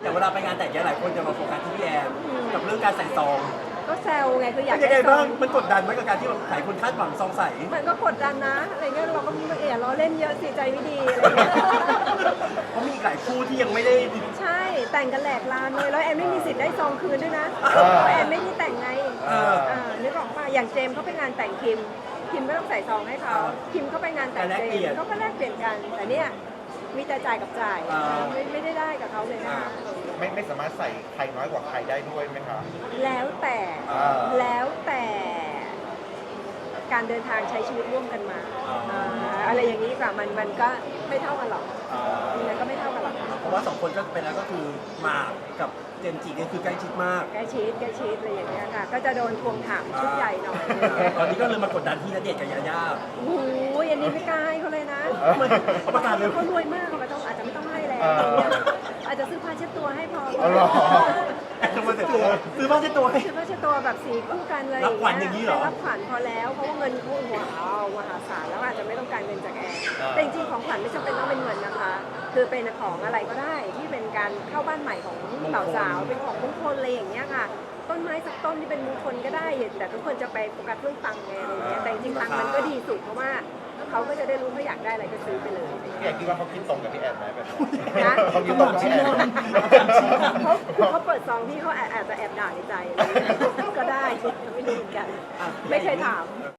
อย่างเวลาไปงานแต่งเนี่ยหลายคนจะมาโฟกัสที่พี่แอนกับเรื่องการใส่ซองก็แซวไงคืออยากเป็นยังไงได้ซบ้าอง งมันกดดันไหมกับการที่แบบหลายคนคาดหวังซองใสมันก็กดดันนะอะไรเงี้ยเราก็อย่าล้อเล่นเยอะสิใจไม่ดีอะไรเงี้ยเพราะมีอีกหลายคู่ที่ยังไม่ได้ใช่แต่งกันแหลกลานเลยแล้วแอนไม่มีสิทธิ์ได้ซองคืนด้วยนะเพราะแอนไม่ได้แต่งไงนึกออกป่ะอย่างเจมส์เขาไปงานแต่งคิมก็ต้องใส่ซองให้เขาคิมเขาไปงานแต่งเจมส์เขาก็แลกเปลี่ยนกันแต่เนี่ยมีแต่จ่ายกับจ่ายไม่ได้กับเขาเลยนะคะไม่สามารถใส่ใครน้อยกว่าใครได้ด้วยไหมคะแล้วแต่การเดินทางใช้ชีวิตร่วมกันมาอะไรอย่างนี้ค่ะมันก็ไม่เท่ากันหรอกยังไงก็ไม่เท่ากันหรอกเพราะว่าสองคนก็เป็นแล้วก็คือหมากกับเจมส์จิเนี่ยคือใกล้ชิดมากใกล้ชิดอะไรอย่างเงี้ยค่ะก็จะโดนทวงถามชุดใหญ่หน่อยตอนนี้ก็เลยมากดดันที่ณเดชน์กับยาย่าโอ้โหอันนี้ไม่กล้าให้เขาเลยนะประกาศเลยเขารวยมากเขาอาจจะไม่ต้องให้แล้วอาจจะซื้อผ้าเช็ดตัวให้พออ๋อเหรอทำไมซื้อบ้านเช็ดตัวให้ซื้อผ้าเช็ดตัวแบบสีคู่กันเลยรับขวัญอย่างนี้เหรอรับขวัญพอแล้วเพราะว่าเงินเขาว้าวมหาศาลแล้วอาจจะไม่ต้องการเงินจากแอนแต่จริงๆของขวัญไม่จำเป็นต้องเป็นเงินนะคะ คือเป็นของอะไรก็ได้ที่เป็นการเข้าบ้านใหม่ของบ่าวสาวเป็นของมงคลอะไรอย่างเงี้ยค่ะ ต้นไม้สักต้นที่เป็นมงคลก็ได้แต่ทุกคนจะไปโฟกัสเรื่องตังค์ไงอะไรเงี้ยแต่จริงๆตังค์มันก็ดีสุดเพราะว่าเขาก็จะได้รู้เขาอยากได้อะไรก็ซื้อไปเลยพี่แอนคิดว่าเขาคิดตรงกับพี่แอนไหมแบบนี้นะเขาคิดตรงกับพี่แอนไหมเขาเปิดซองที่เขาอาจจะแอบด่าในใจอะไรเงี้ยก็ได้ไม่รู้เหมือนกันไม่เคยถาม